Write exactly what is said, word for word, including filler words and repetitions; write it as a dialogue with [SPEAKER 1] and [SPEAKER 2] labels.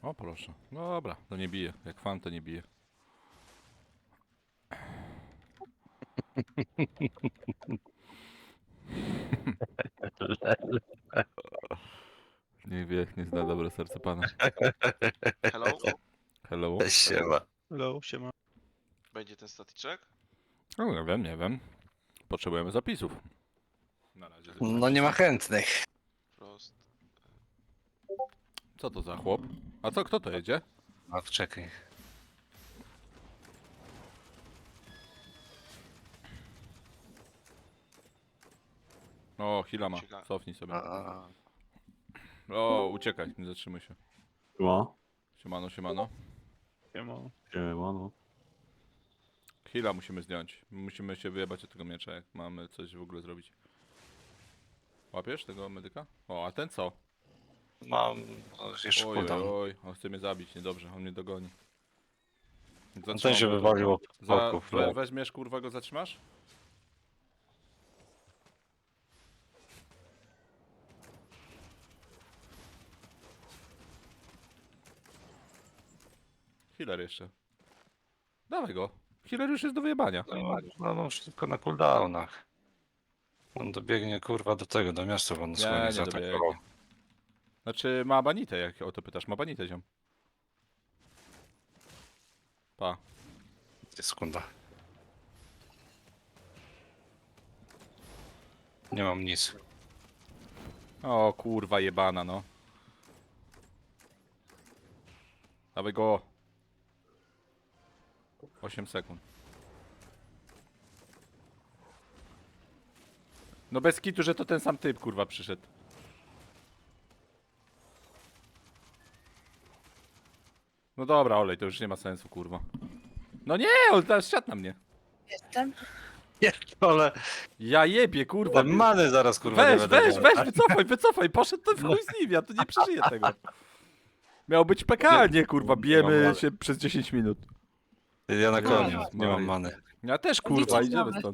[SPEAKER 1] O proszę. Dobra, to nie bije. Jak fan to nie bije. Nie wie, nie zna dobre serce pana.
[SPEAKER 2] Hello?
[SPEAKER 1] Hello?
[SPEAKER 3] Siema.
[SPEAKER 4] Hello, siema.
[SPEAKER 2] Będzie ten statyczek?
[SPEAKER 1] No nie wiem, nie wiem. Potrzebujemy zapisów. Na razie.
[SPEAKER 3] No nie ma chętnych.
[SPEAKER 2] Prost.
[SPEAKER 1] Co to za chłop? A co, kto to jedzie?
[SPEAKER 3] No czekaj.
[SPEAKER 1] O, Hila ma.
[SPEAKER 2] Ciekawe.
[SPEAKER 1] Cofnij sobie.
[SPEAKER 3] A,
[SPEAKER 1] O, uciekaj, nie zatrzymuj się.
[SPEAKER 5] Siema.
[SPEAKER 1] Siemano, siemano.
[SPEAKER 4] Siema.
[SPEAKER 5] Siema, no.
[SPEAKER 1] Hila musimy zdjąć. Musimy się wyjebać od tego miecza, jak mamy coś w ogóle zrobić. Łapiesz tego medyka? O, a ten co?
[SPEAKER 3] mam no, jeszcze
[SPEAKER 1] Oj,
[SPEAKER 3] cooldown.
[SPEAKER 1] oj, oj, on chce mnie zabić, niedobrze, on mnie dogoni.
[SPEAKER 3] No ten
[SPEAKER 1] Zatrzymam
[SPEAKER 3] się
[SPEAKER 1] go
[SPEAKER 3] wywalił od
[SPEAKER 1] tylko. Za,
[SPEAKER 3] boków.
[SPEAKER 1] we, weźmiesz, kurwa, go zatrzymasz? Healer jeszcze. Dawaj go. Healer już jest do wyjebania.
[SPEAKER 3] No, no, no wszystko na cooldownach. On dobiegnie kurwa do tego, do miasta, bo on
[SPEAKER 1] Nie,
[SPEAKER 3] słonie
[SPEAKER 1] nie
[SPEAKER 3] zaatakował.
[SPEAKER 1] dobiegnie. Znaczy ma banitę, jak o to pytasz. Ma banitę, ziom. Pa.
[SPEAKER 3] Sekunda. Nie mam nic.
[SPEAKER 1] O kurwa jebana, no. Dawaj go. osiem sekund. No bez kitu, że to ten sam typ kurwa przyszedł. No dobra, olej, to już nie ma sensu kurwa. No nie, on teraz siadł na mnie.
[SPEAKER 6] Jestem.
[SPEAKER 3] Ale
[SPEAKER 1] Ja jebie kurwa.
[SPEAKER 3] te many zaraz kurwa nie
[SPEAKER 1] Weź,
[SPEAKER 3] będę
[SPEAKER 1] weź,
[SPEAKER 3] miał.
[SPEAKER 1] weź, wycofaj, wycofaj, poszedł to w chuj z nim, ja tu nie przeżyję tego. Miał być P K, a nie kurwa, bijemy się przez dziesięć minut.
[SPEAKER 3] Ja na koniu, nie
[SPEAKER 1] Maria.
[SPEAKER 3] mam many.
[SPEAKER 1] Ja też kurwa, idziemy stąd.